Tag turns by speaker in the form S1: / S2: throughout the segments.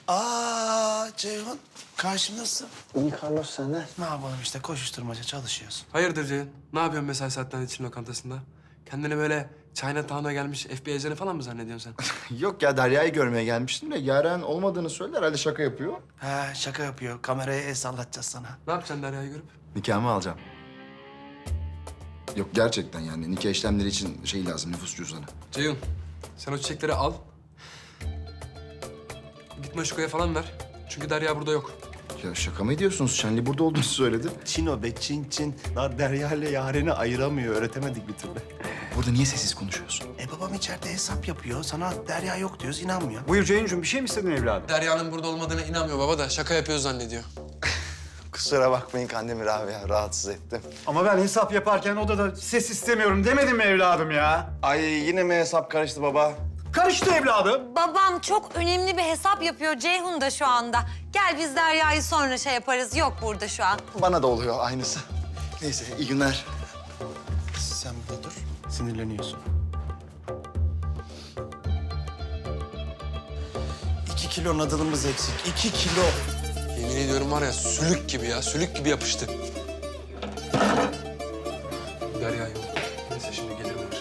S1: Ceyhun, karşımdasın.
S2: İyi Carlos senden.
S1: Ne yapalım işte, koşuşturmaca çalışıyoruz.
S3: Hayırdır Ceyhun? Ne yapıyorsun mesai saatlerinde Çin lokantasında? Kendini böyle Chinatown'a gelmiş FBI ajanı falan mı zannediyorsun sen?
S2: Yok ya, Derya'yı görmeye gelmiştim de Yaren olmadığını söyledi, herhalde şaka yapıyor.
S1: Ha, şaka yapıyor. Kameraya el sallatacağız sana.
S3: Ne yapacaksın Derya'yı görüp?
S2: Nikahımı alacağım. Yok gerçekten yani nikah işlemleri için şey lazım, nüfus cüzdanı.
S3: Ceyhun, sen o çiçekleri al. Git Maşuko'ya falan ver. Çünkü Derya burada yok.
S2: Ya şaka mı ediyorsunuz? Şenli burada olduğunu söyledi.
S1: Çin o be, Çin. Daha Derya ile Yaren'i ayıramıyor. Öğretemedik bir türlü.
S2: Burada niye sessiz konuşuyorsun?
S1: Babam içeride hesap yapıyor. Sana Derya yok diyoruz, inanmıyor.
S4: Buyur Ceyhuncuğum, bir şey mi istedin evladım?
S3: Derya'nın burada olmadığına inanmıyor baba da şaka yapıyor zannediyor.
S5: Kusura bakmayın Kandemir abi ya, rahatsız ettim.
S4: Ama ben hesap yaparken odada ses istemiyorum demedim mi evladım ya?
S5: Ay yine mi hesap karıştı baba?
S4: Karıştı evladım.
S6: Babam çok önemli bir hesap yapıyor Ceyhun da şu anda. Gel biz Derya'yı sonra şey yaparız. Yok burada şu an.
S2: Bana da oluyor aynısı. Neyse, iyi günler.
S1: Sen burada dur. Sinirleniyorsun. 2 kilo nadılımız eksik. 2 kilo.
S3: Yemin ediyorum var ya sülük gibi ya, sülük gibi yapıştı. Derya yok. Neyse şimdi gelir bunlar.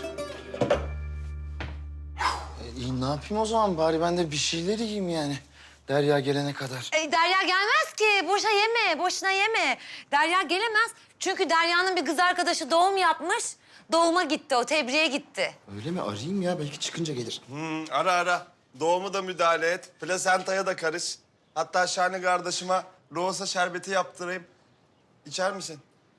S2: İyi, ne yapayım o zaman? Bari ben de bir şeyler yiyeyim yani. Derya gelene kadar.
S6: Derya gelmez ki. Boşa yeme, boşuna yeme. Derya gelemez. Çünkü Derya'nın bir kız arkadaşı doğum yapmış. Doğuma gitti o, tebriğe gitti.
S2: Öyle mi? Arayayım ya, belki çıkınca gelir.
S5: Ara. Doğumu da müdahale et. Plasentaya da karış. Hatta Şahane kardeşime rosa şerbeti yaptırayım. İçer misin?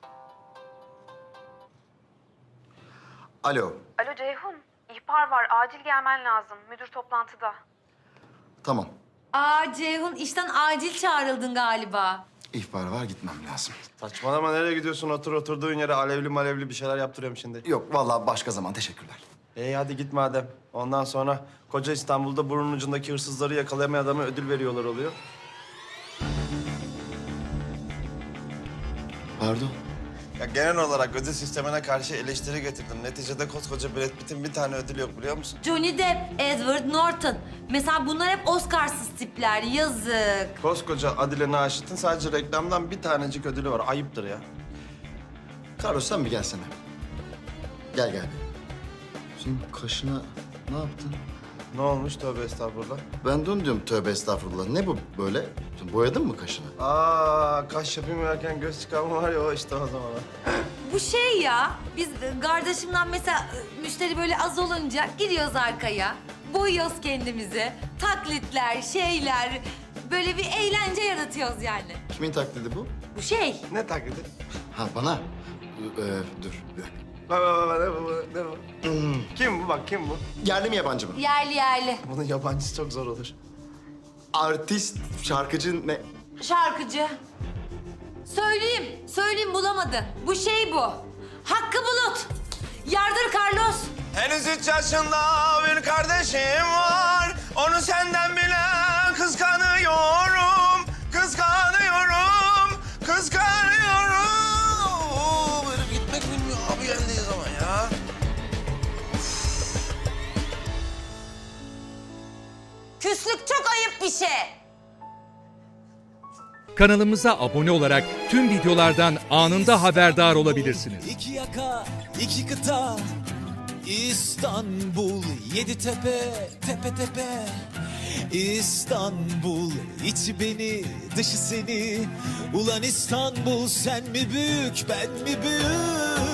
S2: Alo,
S7: Alo Ceyhun, ihbar var. Acil gelmen lazım. Müdür toplantıda.
S2: tamam.
S6: Ceyhun işten acil çağrıldın galiba.
S2: İhbar var, gitmem lazım.
S5: Saçmalama, nereye gidiyorsun? Oturduğun yere alevli malevli bir şeyler yaptırıyorum şimdi.
S2: Yok, vallahi başka zaman. Teşekkürler.
S5: Hadi git madem. Ondan sonra koca İstanbul'da burnun ucundaki hırsızları yakalayamayan adama ödül veriyorlar oluyor.
S2: Pardon.
S5: Ya genel olarak ödül sistemine karşı eleştiri getirdim. Neticede koskoca Brad Pitt'in bir tane ödülü yok biliyor musun?
S6: Johnny Depp, Edward Norton. Mesela bunlar hep Oscars'ız tipler. Yazık.
S5: Koskoca Adile Naşit'in sadece reklamdan bir tanecik ödülü var. Ayıptır ya.
S2: Carlos, sen bir gelsene. Gel. Senin kaşına ne yaptın?
S5: Ne olmuş? Tövbe estağfurullah.
S2: Ben de onu diyorum, tövbe estağfurullah. Ne bu böyle? Sen boyadın mı kaşını?
S5: Kaş yapayım derken göz çıkarma var ya, o işte o zaman.
S6: Bu şey ya, biz kardeşimden mesela müşteri böyle az olunca giriyoruz arkaya. Boyuyoruz kendimizi. Taklitler, şeyler. Böyle bir eğlence yaratıyoruz yani.
S2: Kimin taklidi bu?
S6: Bu şey.
S5: Ne taklidi?
S2: Ha, bana. Dur.
S5: Bak, ne bu? Kim bu bak, kim bu?
S2: Yerli mi yabancı mı?
S6: Yerli.
S5: Bunun yabancısı çok zor olur.
S2: Artist, şarkıcı ne?
S6: Şarkıcı. Söyleyeyim bulamadın. Bu şey bu. Hakkı Bulut. Yardır Carlos.
S5: Henüz 3 yaşında bir kardeşim var. Onu senden bile kıskanıyorum. Herif gitmek bilmiyor abi geldiği zaman ya.
S6: Küslük çok ayıp bir şey.
S8: Kanalımıza abone olarak tüm videolardan anında haberdar olabilirsiniz.
S9: İki yaka, iki kıta, İstanbul, yedi tepe, tepe tepe. İstanbul, içi beni, dışı seni. Ulan İstanbul, sen mi büyük, ben mi büyük?